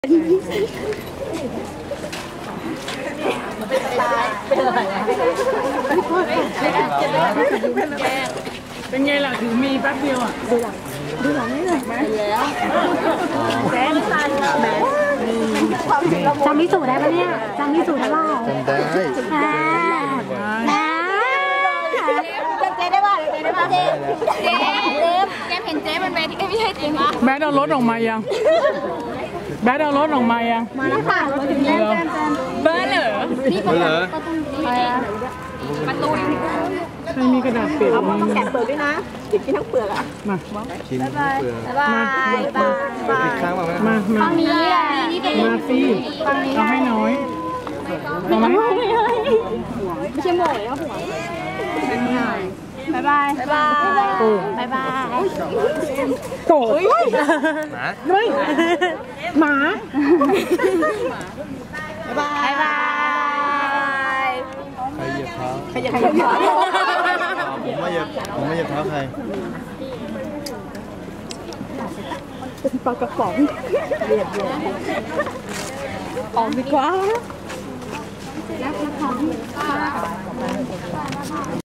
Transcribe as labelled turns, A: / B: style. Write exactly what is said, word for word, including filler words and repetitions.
A: เป็นไงล่ะถือมีแป๊บเดียวอ่ะดูหลังดูหลังนี่เลยไหมแล้วแม่ทันแม่จำพิสูจน์ได้ปะเนี่ยจำพิสูจน์ได้เปล่า
B: จำได้
C: จำเจ๊ได้ป่ะเจ๊ได้ป่ะเจ๊เจ๊เจ๊เห็นเจ๊มันเวทีไม่ใช่เจ๊ปะ
A: แบดเอารถออกมายังแบดเอารถออกมายัง
C: มาแล้วค่ะรถถึงแล้วเบอร์เหรอนี่ประตูประตู
A: ใครมีกระดาษเปียก
C: เอาต้องแกะเปลือกด้วยนะติดกินทั้งเปลือกอ่ะ
A: มา
B: ชิมเปลือก
C: บายบายบาย
B: ข้างมา
A: มามา
C: ฝั่งนี้อ่ะ
A: มาสิเอาให้น้อยเอาไหม
C: ไม่ใช่หมวยนะหัวบายบายบายบายบาย
A: โกรธ
B: หมา
A: เฮ้ยหมา
C: บายบาย
B: ใครเหยียบเท้า
C: ใครเหยียบเท้า
B: ผมไม่เหยียบผมไม่เหยียบเท้าใคร
A: เป็นปลากระป๋องเรียบร้อยออกดีกว่า